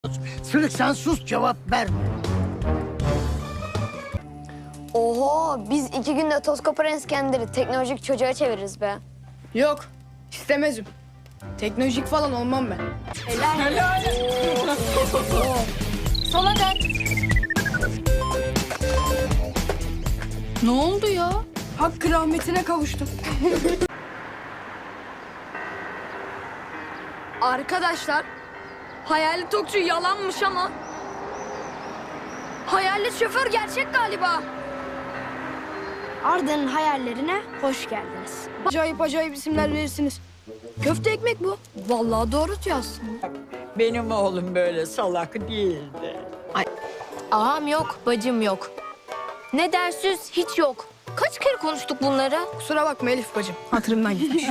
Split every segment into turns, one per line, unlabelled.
Sırık sen sus, cevap verme.
Oho, biz 2 günde toz koparan İskender'i teknolojik çocuğa çeviririz be.
Yok, istemezim. Teknolojik falan olmam ben.
Helal.
Sola dön. Ne oldu ya? Hakkı rahmetine kavuştum. Arkadaşlar, hayali tokçu yalanmış ama hayalet şoför gerçek galiba.
Arda'nın hayallerine hoş geldiniz.
Acayip acayip isimler verirsiniz. Köfte ekmek bu. Vallahi doğru diyorsun.
Benim oğlum böyle salak değildi.
Ağam yok, bacım yok. Ne dersiz hiç yok. Kaç kere konuştuk bunları?
Kusura bakma Elif bacım, hatırımdan gitmiş.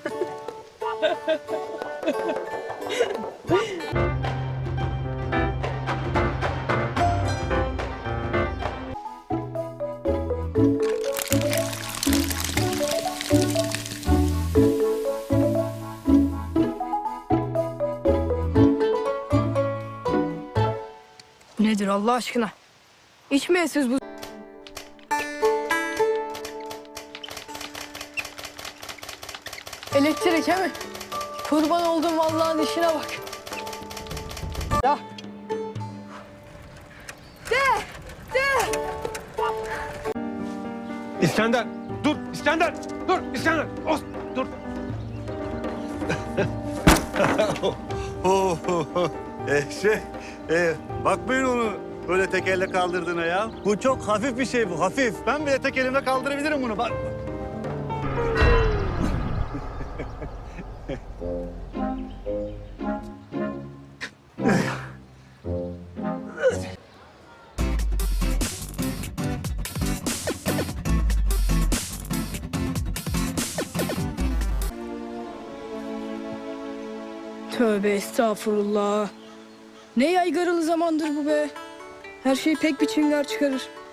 Nedir Allah aşkına? İçmeyesiz bu. Elektrik he mi? Kurban oldum Allah'ın işine bak. Ya.
İskender, dur İskender, dur İskender, dur.
Bakmayın onu böyle tek elle kaldırdığına ya. Bu çok hafif bir şey bu, hafif. Ben bile tek elimle kaldırabilirim bunu. Bak.
Tövbe estağfurullah. Ne yaygaralı zamandır bu be. Her şey pek bir çıngar çıkarır.